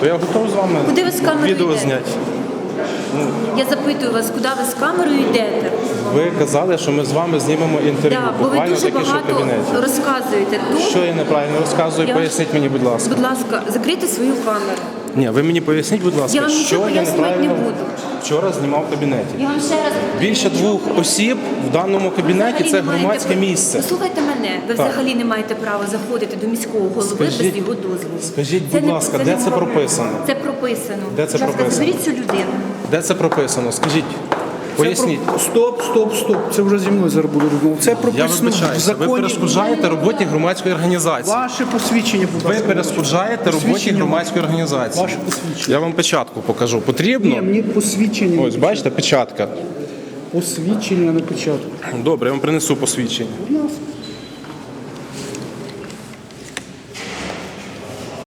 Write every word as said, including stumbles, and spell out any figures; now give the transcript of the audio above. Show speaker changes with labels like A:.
A: Я готов з вами
B: Куди ви з камерою
A: відео
B: йдете?
A: зняти.
B: Я запитую вас, куди ви з камерою йдете?
A: Ви казали, що ми з вами знімемо інтерв'ю.
B: Да, бо ви
A: Буквально
B: дуже
A: таке, що в
B: багато
A: кабінеті.
B: розказуєте. Тут,
A: Що я неправильно розказую,
B: Я-
A: поясніть мені, будь ласка.
B: будь ласка, закрийте свою камеру.
A: Ні, ви мені поясніть, будь ласка,
B: Я вам
A: що
B: нічого
A: я
B: пояснювати не
A: неправильно
B: буду.
A: вчора знімав в кабінеті.
B: Я вам ще раз
A: Більше двох осіб в даному кабінеті
B: взагалі
A: це
B: не маєте
A: громадське
B: права-
A: місце.
B: Послухайте мене, ви
A: Так.
B: взагалі не маєте права заходити до міського голови
A: Скажіть-
B: без його дозволу.
A: скажіть,
B: Це
A: будь
B: не-
A: ласка,
B: це
A: де
B: не
A: це
B: проблема.
A: прописано?
B: Це прописано.
A: Де це
B: Будь ласка,
A: прописано?
B: заберіть цю людину.
A: Де це прописано? Скажіть, поясніть.
C: Це про- Стоп, стоп, стоп. Це вже зі мною зараз буде розмова. Це
A: Я
C: прописано в
A: вибачаюся, ви
C: законі.
A: перешкоджаєте роботі громадської організації.
C: Ваше посвідчення, будь
A: Ви
C: ласка.
A: перешкоджаєте роботі
C: Посвідчення.
A: громадської організації.
C: Ваше посвідчення.
A: Я вам печатку покажу.
C: Ні,
A: Потрібно?
C: мені посвідчення.
A: Ось, бачите, печатка.
C: Посвідчення на печатку.
A: Добре, я вам принесу посвідчення.
C: Будь ласка.